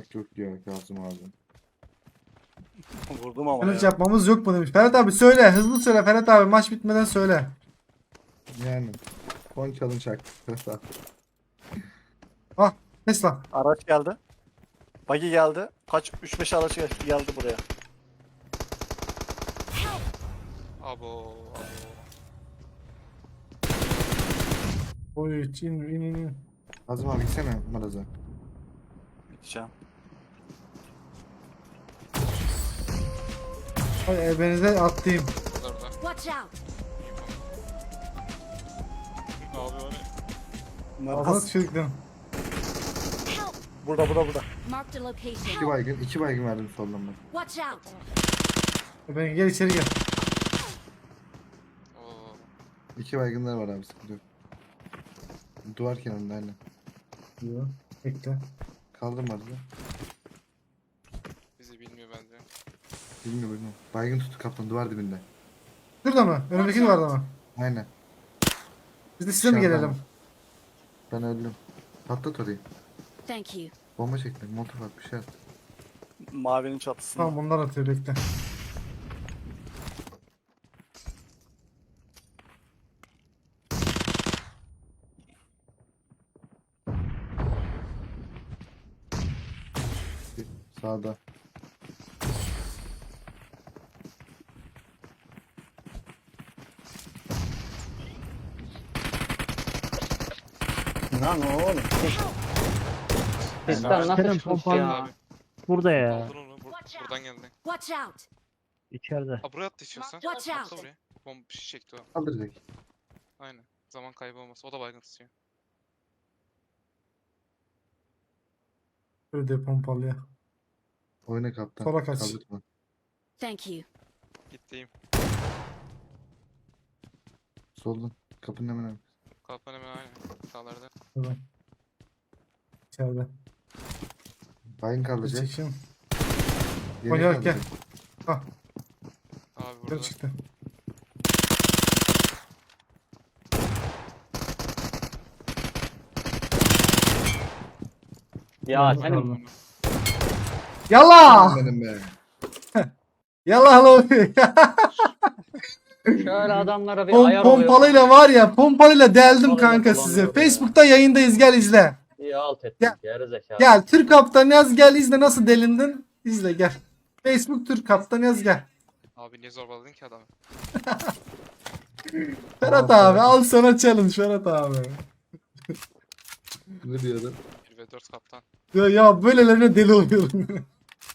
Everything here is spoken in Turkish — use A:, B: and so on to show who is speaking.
A: Yok yok diyor Kazım abi.
B: Vurdum ama
C: Challenge
B: ya.
C: yapmamız yok mu demiş. Ferhat abi söyle. Hızlı söyle Ferhat abi. Maç bitmeden söyle.
A: Yani. Son challenge hakkı.
C: Ah Tesla.
B: Araç geldi. Buggy geldi. Kaç? 3-5 araç geldi buraya.
D: Abo.
C: Oy in.
A: Kazım abi gitsene Maraz'a.
B: Gideceğim.
C: Ay ebenize atlayayım.
D: Orada.
E: Watch out!
D: Abi o ne?
C: Ağzına
B: Nasıl?
C: tükürdüm.
E: Help!
B: Burada.
E: Marked a location.
A: İki baygın verdim soldan bak.
E: Watch out!
C: Eben gel içeri gel.
D: Oo.
A: İki baygınlar var abi sıkıntı yok. Duvar kenarında aynen.
C: Yok. Bekle.
A: Kaldım Maraz'a.
D: Bizi bilmiyor bence.
A: Bilmiyorum. Baygın tuttu kaptan duvar dibinde.
C: Şurada mı? Önümdeki duvarda mı?
A: Aynen.
C: Biz de size mi
A: Dışarıda
C: gelelim?
A: ama. Ben öldüm. Patlat orayı.
E: Thank you.
A: Bomba çekti. Motor at bir şey at.
B: Mavinin çatısında.
C: Tamam bunlar atıyor bekle.
A: Sağda.
B: Lan oğlum.
F: Pistten nasıl
G: Kerem,
F: çıkmış
G: pompalı-
F: ya?
D: Abi.
G: Burada ya.
D: Aldın onu. Buradan geldi.
E: Watch out!
G: İçeride.
D: Aa buraya attı istiyorsan.
E: Watch out.
D: Atla buraya. Bomba bir şey çekti o.
A: Kaldır direkt.
D: Aynen. Zaman kaybı olmaz. O da baygın tutuyor.
C: Böyle de pompalıya.
A: Oyna kaptan.
C: Sola kaç.
A: Kaldırma.
E: Thank you.
D: Gittiğim.
A: Soldan. Kapının hemen arkası.
D: Kalpan hemen aynen. Sağlarda.
C: Şurada. İçeride.
A: Baygın
C: Bir
A: kaldıracak.
C: çekeyim.
A: Yeni
C: Oynayak gel.
A: kaldıracak.
C: Ah
D: Abi
C: gel
D: burada.
C: çıktı.
F: Ya
C: Tamam.
F: senin
C: Yallah!
A: Benim be.
C: Yallah lan.
F: şöyle adamlara bir ayar oluyor.
C: Pompalıyla var ya pompalıyla deldim
F: Pompalıyla
C: kanka sizi.
F: kullanıyorum ya.
C: Facebook'ta yayındayız gel izle.
F: İyi alt ettin.
C: Gel.
F: Yarı zekalı.
C: Gel Türk Kaptan yaz gel izle nasıl delindin. İzle gel. Facebook Türk Kaptan yaz gel.
D: Abi niye zorbaladın ki adamı?
C: Ferhat
A: Tamam,
C: abi al sana challenge Ferhat abi.
A: Ne diyordu?
D: 1 ve 4 kaptan.
C: Ya böylelerine deli oluyorum.